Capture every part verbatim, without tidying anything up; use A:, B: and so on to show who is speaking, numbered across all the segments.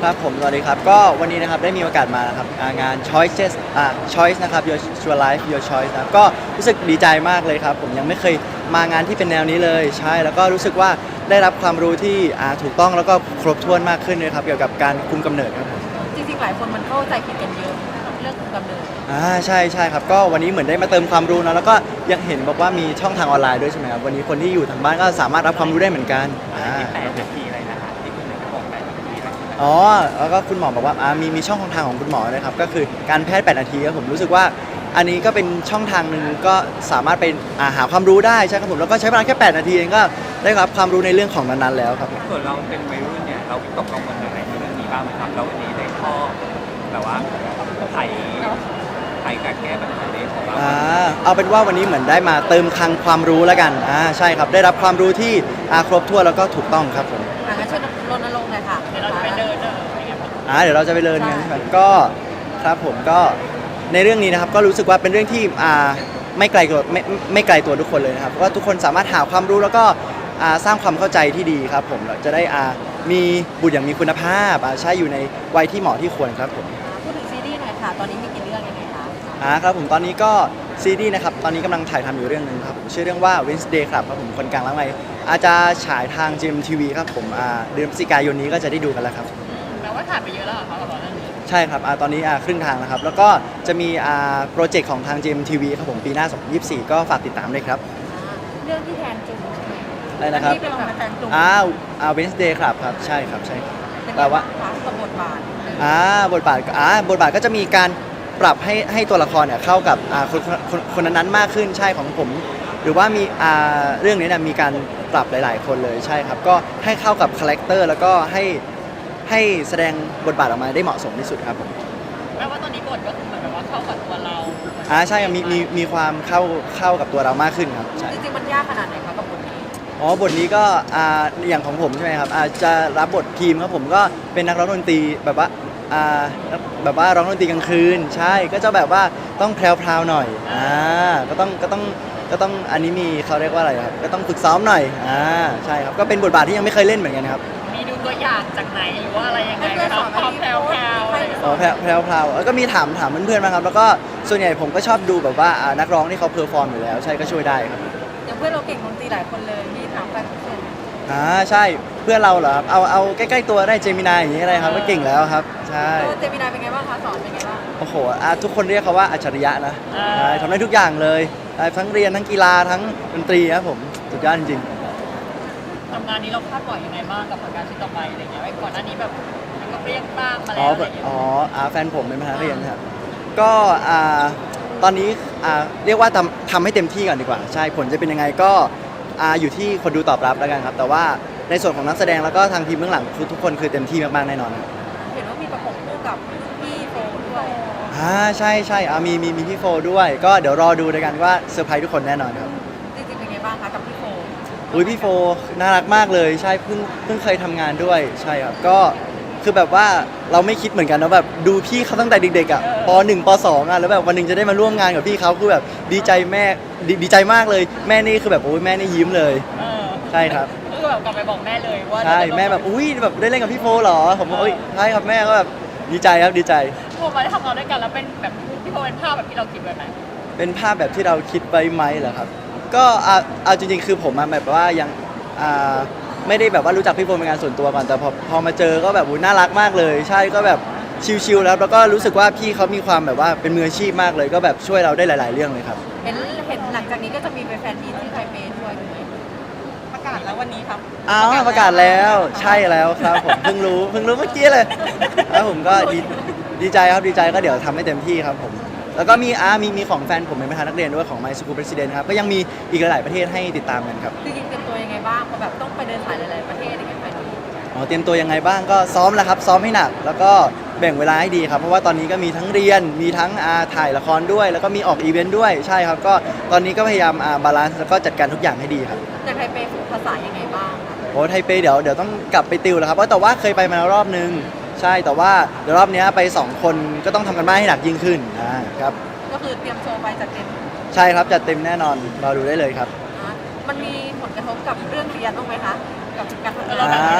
A: ครับผมสวัสดีครับก็วันนี้นะครับได้มีโอกาสมานะครับอ่างาน Choices อ่า Choice นะครับ Your Your Life Your Choice นะครับก็รู้สึกดีใจมากเลยครับผมยังไม่เคยมางานที่เป็นแนวนี้เลยใช่แล้วก็รู้สึกว่าได้รับความรู้ที่อ่าถูกต้องแล้วก็ครบถ้วนมากขึ้นเลยครับเกี่ยวกับการคุมกำเนิดครับผม
B: จริงๆหลายคนมันเข้าใจผิดกันเยอะเรื่องคุมกำเนิด
A: อ่าใช่ใช่ครับก็วันนี้เหมือนได้มาเติมความรู้เนอะแล้วก็ยังเห็นบอกว่ามีช่องทางออนไลน์ด้วยใช่ไหมครับวันนี้คนที่อยู่ทางบ้านก็สามารถรับความรู้ได้เหมือนกันอ่า
C: แปดนาทีอะไรนะฮะที่คุณหนึ่งก็บอกแปดนาทีอะไรนะ
A: อ๋อแล้วก็คุณหมอบอกว่าอ่ามีมีช่องทางของคุณหมอนะครับก็คือการแพทย์แปดนาทีครับผมรู้สึกว่าอันนี้ก็เป็นช่องทางหนึ่งก็สามารถไปอ่าหาความรู้ได้ใช่ครับผมแล้วก็ใช้เวลาแค่แปดนาทีเองก็ได้รับความรู้ในเรื่องของนั้นๆแล้วครับ
C: ส่วนเราเป็นวัยรุ่นเนี่ยเราวิตกกังวลอะไรในเรื่องนี้บ้างไหมครับแล้ววันนี้ได้ข้อแบบว่าไขไขการแก้ปัญหานี้ของเรา
A: อ่าเอาเป็นว่าวันนี้เหมือนได้มาเติมคลังความรู้แล้วกันอ่าใช่ครับได้รับความรู้ที่อ่าครบถ้วนแล้วก็ถูกต้องครับผม
B: อ่ะงั้นช่วยรณรงค์หน่อยค่ะเดี๋ยวเราจะไปเดินเอออะไรเงี้ย
A: อ่าเดี๋ยวเราจะไปเรียนกันใช่ไหมก็ครับผมก็ในเรื่องนี้นะครับก็รู้สึกว่าเป็นเรื่องที่อ่าไม่ไกลตัวไม่ไม่ไกลตัวทุกคนเลยนะครับเพราะว่าทุกคนสามารถหาความรู้แล้วก็อ่าสร้างความเข้าใจที่ดีครับผมเราจะได้อ่ามีบุตรอย่างมีคุณภาพอ่าใช้อยู่ในวัยที่เหมาะที่ควรครับผม
B: พูดถึงซีรีส์หน่อยค่ะตอนนี้มีกี่เรื่องยังไงคะ
A: อ่าครับผมตอนนี้ก็ซีรีส์นะครับตอนนี้กำลังถ่ายทำอยู่เรื่องหนึงครับผมชื่อเรื่องว่า Wednesday ครับครับผมคนกลางล้างไม้อาจจะฉายทาง จี เอ็ม ที วี ครับผมอ่าเดือนพฤศจิกายนนี้ก็จะได้ดูกันแล้วครับ
B: แปลว่าถ่ายไปเยอะแล้วเหรอคะกับเรื่องนี้
A: ใช่ครับอ่าตอนนี้อ่าครึ่งทางนะครับแล้วก็จะมีอ่าโปรเจกต์ของทาง จี เอ็ม ที วี ครับผมปีหน้าสองพันยี่สิบสี่ก็ฝากติดตามด้วยครับ
B: เรื่องที่แทนจุงใช่ไหม
A: อะไรนะครับ
B: ที่เป็นแบบแทนจุง
A: อ่าอ่า Wednesday ครับครับใช่ครับใช่ครับแปลว่า
B: กับบทบาท
A: อ่าบทบาทอ่าบทบาทก็จะมีการปรับให้ให้ตัวละครเนี่ยเข้ากับอ่าคนคนคนนั้นๆมากขึ้นใช่ของผม หรือว่ามีอ่าเรื่องนี้เนี่ยมีการปรับหลายๆ คนเลยใช่ครับก็ให้เข้ากับคาแรคเตอร์แล้วก็ให้ให้แสดงบทบาทออกมาได้เหมาะสมที่สุดครับผม
B: แปลว่าตอนนี้บทก็คือเหมือนแบบว่าเข้ากับตัวเรา
A: อ่าใช่มีมีมีความเข้าเข้ากับตัวเรามากขึ้นครับใช่
B: จริงๆมันยากขนาดไหนคะกับบทนี้
A: อ๋อบทนี้ก็อ่าอย่างของผมใช่ไหมครับอาจจะรับบททีมครับผมก็เป็นนักร้องดนตรีแบบว่าอ่าแบบว่าร้องดนตรีกลางคืนใช่ก็จะแบบว่าต้องแพรวๆหน่อยอ่าก็ต้องก็ต้องก็ต้องอันนี้มีเขาเรียกว่าอะไรครับก็ต้องฝึกซ้อมหน่อยอ่าใช่ครับก็เป็นบทบาทที่ยังไม่เคยเล่นเหมือนกันครับ
B: มีดูตัวอย่างจากไหนหรือว่าอะไรยังไงครับความแพรวๆ
A: อ๋อแพรวแพรวพราวแล้วก็มีถามถามเพื่อนๆมาครับแล้วก็ส่วนใหญ่ผมก็ชอบดูแบบว่าอ่านักร้องที่เขาเพอร์ฟอร์มอยู่แล้วใช่ก็ช่วยได้ครับ
B: อย่างเพื่อนเราเก่งดนตรีหลายคนเลยมีถามแฟนเพื่อน
A: อ่าใช่เพื่อนเราเหรอครับเอาเอาใกล้ๆตัวได้เจมินายอย่างนี้อะไรครับก็เก่งแล้วครับใช่
B: เจมินายเป็นไงบ้างคะสอนเป็นไงบ้าง
A: โอ้โหอ่าทุกคนเรียกเขาว่าอัจฉริยะนะใช่ทำได้ทุกอย่างเลยทั้งเรียนทั้งกีฬาทั้งดนตรีครับผมสุดยอดจริง
B: ทำงานนี้เราคาดหวังยังไงบ้างกับผลงานชิ้นต่อไปอะไรเงี้ยไว้ก่อนหน้านี้แบบมันก็เปรี้ยงบ้างมา
A: อ๋อ
B: แล้วอะไรเงี้ย
A: อ๋ออ่าแฟนผมเป็นมหาเรียนครับก็อ่าตอนนี้อ่าเรียกว่าทำทำให้เต็มที่ก่อนดีกว่าใช่ผลจะเป็นยังไงก็อ่าอยู่ที่คนดูตอบรับแล้วกันครับแต่ว่าในส่วนของนักแสดงแล้วก็ทางทีมเบื้องหลังคือทุกคนคือเต็มที่มากๆแน่นอนครับ
B: เห็นว่ามีประกบคู่กับพี่โฟด้วย
A: อ่าใช่ใช่อ่ามีมีมีพี่โฟด้วยก็เดี๋ยวรอดูด้วยกันว่าเซอร์ไพรส์ทุกคนแน่นอนครับ
B: จริงๆเป็นไงบ้างคะกับพี่โฟ
A: อุ้ยพี่โฟน่ารักมากเลยใช่เพิ่งเพิ่งเคยทำงานด้วยใช่ครับก็คือแบบว่าเราไม่คิดเหมือนกันนะแบบดูพี่เขาตั้งแต่เด็กๆอ่ะปหนึ่งปสองอ่ะแล้วแบบวันหนึ่งจะได้มาร่วมงานกับพี่เขาคือแบบดีใจแม่ดีดีใจมากเลยแม่นี่คือแบบโอ้ยแม่นี่ยิ้มเลยใช่ครับ
B: ก็แบบกลับไปบอกแม่เลยว่า
A: ใช่แม่แบบอุ้ยแบบได้เล่นกับพี่โฟเหรอผมบอกเอ้ยใช่ครับแม่ก็แบบดีใจครับดีใจ
B: พอมาได้ทำงานด้วยกันแล้วเป็นแบบพี่โฟเป็นภาพแบบที่เราคิดไว้ไหม
A: เป็นภาพแบบที่เราคิดไว้ไหมเหรอครับก็อ่าเอาจริงๆคือผมอะแบบว่ายังอ่าไม่ได้แบบว่ารู้จักพี่โฟเป็นงานส่วนตัวก่อนแต่พอพอมาเจอก็แบบน่ารักมากเลยใช่ก็แบบชิลๆแล้วแล้วก็รู้สึกว่าพี่เขามีความแบบว่าเป็นมืออาชีพมากเลยก็แบบช่วยเราได้หลายๆเรื่องเลยครับ
B: เห็นเห็นหลังจากนี้ก็จะมีแฟนมีที่ไทเปด้วยประกาศแล้ววันนี้ครับ
A: อ้าวประกาศแล้วใช่แล้วครับผมเพิ่งรู้เพิ่งรู้เมื่อกี้เลยแล้วผมก็ดีดีใจครับดีใจก็เดี๋ยวทำให้เต็มที่ครับผมแล้วก็มีอ่ามีมีของแฟนผมเป็นประธานนักเรียนด้วยของ My School President ครับก็ยังมีอีกหลายๆประเทศให้ติดตามกันครับ
B: จริงๆเตรียมตัวยังไงบ้างเพราะแบบต้องไปเดินสายหลายๆประเทศอย่างเงี้ยไปดู
A: อ๋อเตรียมตัวยังไงบ้างก็ซ้อมแล้วครับซ้อมให้หนักแล้วก็แบ่งเวลาให้ดีครับเพราะว่าตอนนี้ก็มีทั้งเรียนมีทั้งอ่าถ่ายละครด้วยแล้วก็มีออกอีเวนต์ด้วยใช่ครับก็ตอนนี้ก็พยายามอ่าบาลานซ์แล้วก็จัดการทุกอย่างให้ดีครับ
B: จากไทเปฝึกภาษายังไงบ้าง
A: โอ้ไทเปเดี๋ยวเดี๋ยวต้องกลับไปติวแล้วครับเพราะแต่ว่าเคยไปมาแล้วรอบนึงใช่แต่ว่าเดี๋ยวรอบนี้ไปสองคนก็ต้องทำกันบ้านให้หนักยิ่งขึ้นอ่าครับ
B: ก็คือเตรียมโชว์ไปจัดเต็ม
A: ใช่ครับจัดเต็มแน่นอนรอดูได้เลยครับ
B: มันมีผลกระทบกับเรื่องเรียนบ้างไหมคะกับการทำงาน
A: อ่า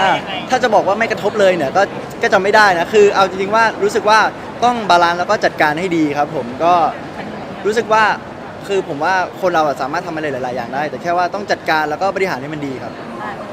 A: ถ้าจะบอกว่าไม่กระทบเลยเนี่ยก็ก็จะไม่ได้นะคือเอาจริงๆว่ารู้สึกว่าต้องบาลานซ์แล้วก็จัดการให้ดีครับผมก็รู้สึกว่าคือผมว่าคนเราอะสามารถทำอะไรหลายๆอย่างได้ แต่แค่ว่าต้องจัดการแล้วก็บริหารให้มันดีครับ
B: อ่ะโอเค